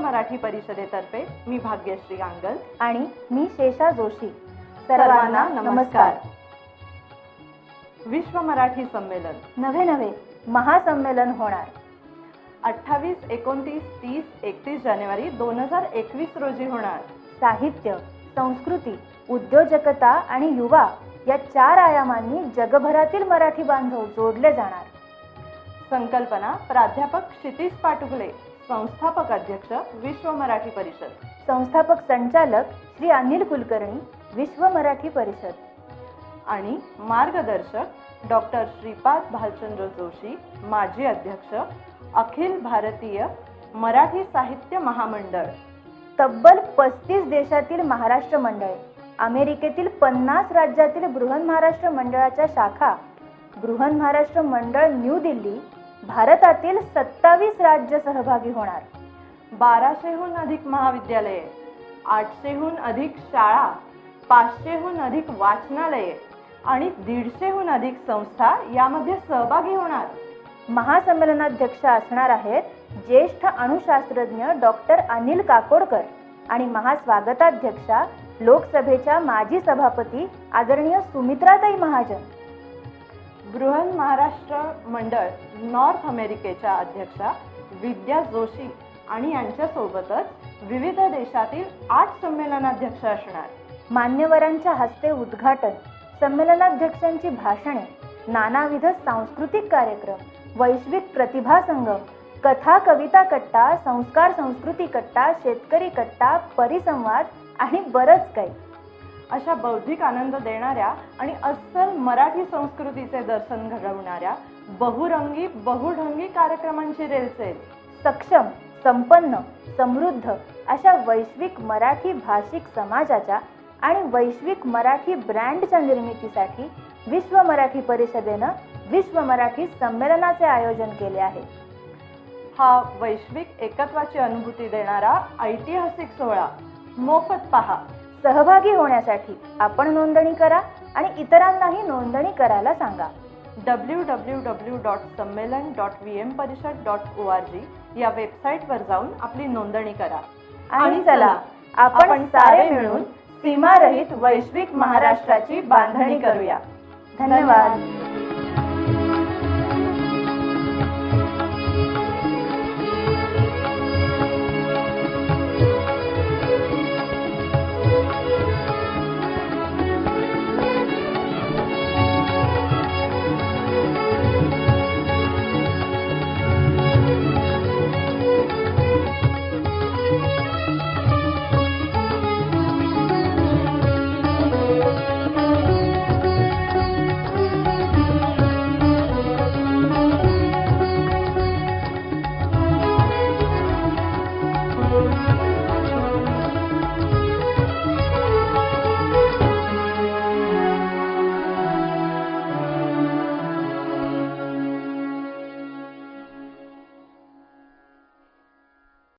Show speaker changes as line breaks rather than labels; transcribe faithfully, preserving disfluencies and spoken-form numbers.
मराठी परिषदेतर्फे मी भाग्यश्री गांगल
आणि मी शेषा जोशी.
सर्वांना नमस्कार. विश्व मराठी संमेलन
नवे नवे महासंमेलन होणार.
अठ्ठावीस एकोणतीस तीस एकतीस जानेवारी दोन हजार एकवीस रोजी होणार.
साहित्य, संस्कृती, उद्योजकता आणि युवा या चार आयामांनी जगभरातील मराठी बांधव जोडले जाणार.
संकल्पना प्राध्यापक क्षितिज पाटुगले, संस्थापक अध्यक्ष विश्व मराठी परिषद,
संस्थापक संचालक श्री अनिल कुलकर्णी, विश्व मराठी परिषद
आणि मार्गदर्शक डॉक्टर श्रीपाद भालचंद्र जोशी, माजी अध्यक्ष अखिल भारतीय मराठी साहित्य महामंडळ.
तब्बल पस्तीस देशातील महाराष्ट्र मंडळे, अमेरिकेतील पन्नास राज्यातील बृहन महाराष्ट्र मंडळाच्या शाखा, बृहन महाराष्ट्र मंडळ न्यू दिल्ली, भारतातील सत्तावीस राज्य सहभागी होणार.
बाराशेहून अधिक महाविद्यालये, आठशेहून अधिक शाळा, पाचशेहून अधिक वाचनालये आणि दीडशेहून अधिक संस्था यामध्ये सहभागी होणार.
महासंमेलनाध्यक्ष असणार आहेत ज्येष्ठ अणुशास्त्रज्ञ डॉक्टर अनिल काकोडकर आणि महास्वागताध्यक्षा लोकसभेच्या माजी सभापती आदरणीय सुमित्राताई महाजन.
बृहन महाराष्ट्र मंडळ नॉर्थ अमेरिकेच्या अध्यक्षा विद्या जोशी आणि यांच्यासोबतच विविध देशातील आठ संमेलनाध्यक्ष असणार.
मान्यवरांच्या हस्ते उद्घाटन, संमेलनाध्यक्षांची भाषणे, नानाविध सांस्कृतिक कार्यक्रम, वैश्विक प्रतिभा संगम, कथा कविता कट्टा, संस्कार संस्कृती कट्टा, शेतकरी कट्टा, परिसंवाद आणि बरंच काही.
अशा बौद्धिक आनंद देणाऱ्या आणि अस्सल मराठी संस्कृतीचे दर्शन घडवणाऱ्या बहुरंगी बहुढंगी कार्यक्रमांची रेलचेल.
सक्षम, संपन्न, समृद्ध अशा वैश्विक मराठी भाषिक समाजाच्या आणि वैश्विक मराठी ब्रँडच्या निर्मितीसाठी विश्व मराठी परिषदेनं विश्व मराठी संमेलनाचे आयोजन केले आहे.
हा वैश्विक एकत्वाची अनुभूती देणारा ऐतिहासिक सोहळा मोफत पहा.
सहभागी होण्यासाठी आपण नोंदणी करा आणि इतरांनाही नोंदणी करायला सांगा.
W W W dot Sammelan dot V M Parishad dot O R G या वेबसाईटवर जाऊन आपली नोंदणी करा.
आणि चला आपण सारे मिळून सीमारहित वैश्विक महाराष्ट्राची बांधणी करूया. धन्यवाद.